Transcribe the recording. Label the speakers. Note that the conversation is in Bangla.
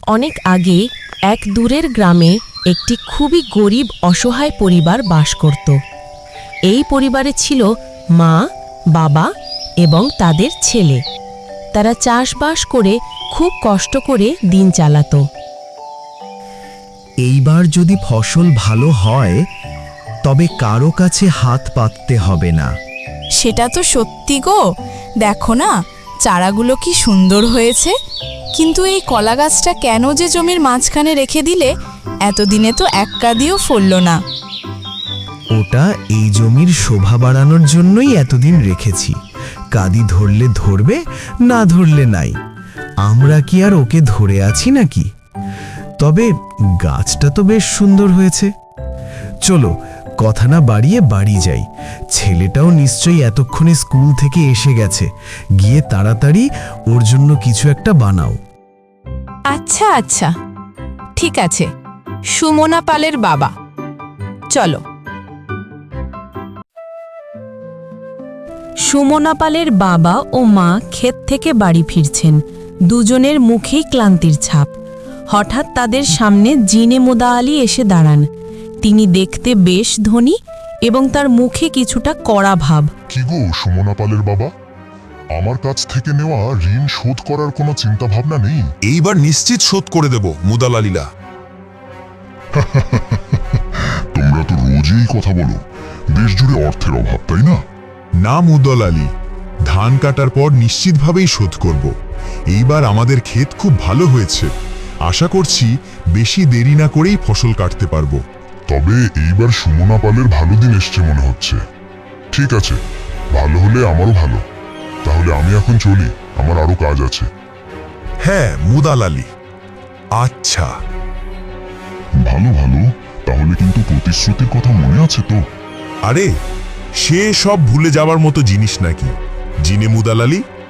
Speaker 1: অনেক আগে এক দূরের গ্রামে একটি খুবই গরিব অসহায় পরিবার বাস করত। এই পরিবারে ছিল মা, বাবা এবং তাদের ছেলে। তারা চাষবাস করে খুব কষ্ট করে দিন চালাতো।
Speaker 2: এইবার যদি ফসল ভালো হয় তবে কারো কাছে হাত পাততে হবে না।
Speaker 3: সেটা তো সত্যি গো, দেখো না চারাগুলো কি সুন্দর হয়েছে। কিন্তু এই কলা গাছটা কেন যে জমির মাঝখানে রেখে দিলে? এতদিনে তো এক কাদিও ফলল না।
Speaker 2: ওটা এই জমির শোভা বাড়ানোর জন্যই এতদিন রেখেছি। কাদি ধরলে ধরবে, না ধরলে নাই। আমরা কি আর ওকে ধরে আছি নাকি? তবে গাছটা তো বেশ সুন্দর হয়েছে। চলো কথা না বাড়িয়ে বাড়ি যাই। ছেলেটাও নিশ্চয়ই এতক্ষণে স্কুল থেকে এসে গেছে। গিয়ে তাড়াতাড়ি ওর জন্য কিছু একটা বানাও।
Speaker 3: আচ্ছা আচ্ছা, ঠিক আছে। সুমনা পালের বাবা, চলো।
Speaker 1: সুমনা পালের বাবা ও মা ক্ষেত থেকে বাড়ি ফিরছেন। দুজনের মুখেই ক্লান্তির ছাপ। হঠাৎ তাদের সামনে জিনে মুদা আলী এসে দাঁড়ান। তিনি দেখতে বেশ ধনী এবং তার মুখে কিছুটা কড়া ভাব।
Speaker 4: কি গো সুমনা পালের বাবা, আমার কাছ থেকে নেওয়া ঋণ শোধ করার কোনো চিন্তা ভাবনা নেই?
Speaker 5: এইবার নিশ্চিত শোধ করে দেব মুদালালীলা।
Speaker 4: তোমরা তো রোজই কথা বলো, দেশ জুড়ে অর্থের অভাব, তাই না?
Speaker 5: না মুদালালী, ধান কাটার পর নিশ্চিতভাবেই শোধ করব। এইবার আমাদের ক্ষেত খুব ভালো হয়েছে। আশা করছি বেশি দেরি না করেই ফসল কাটতে পারবো।
Speaker 4: তবে এইবার সুমনা পালের ভালো দিন এসছে মনে হচ্ছে। ঠিক আছে, ভালো হলে আমারও ভালো। তাহলে আমি এখন চলি, আমার আরো কাজ আছে।
Speaker 5: হ্যাঁ মুদালালী, আচ্ছা।
Speaker 4: ভালো ভালো, তাহলে কিন্তু প্রতিশ্রুতির কথা মনে আছে তো?
Speaker 5: আরে সে সব ভুলে যাওয়ার মতো জিনিস নাকি জিনে মুদালালী?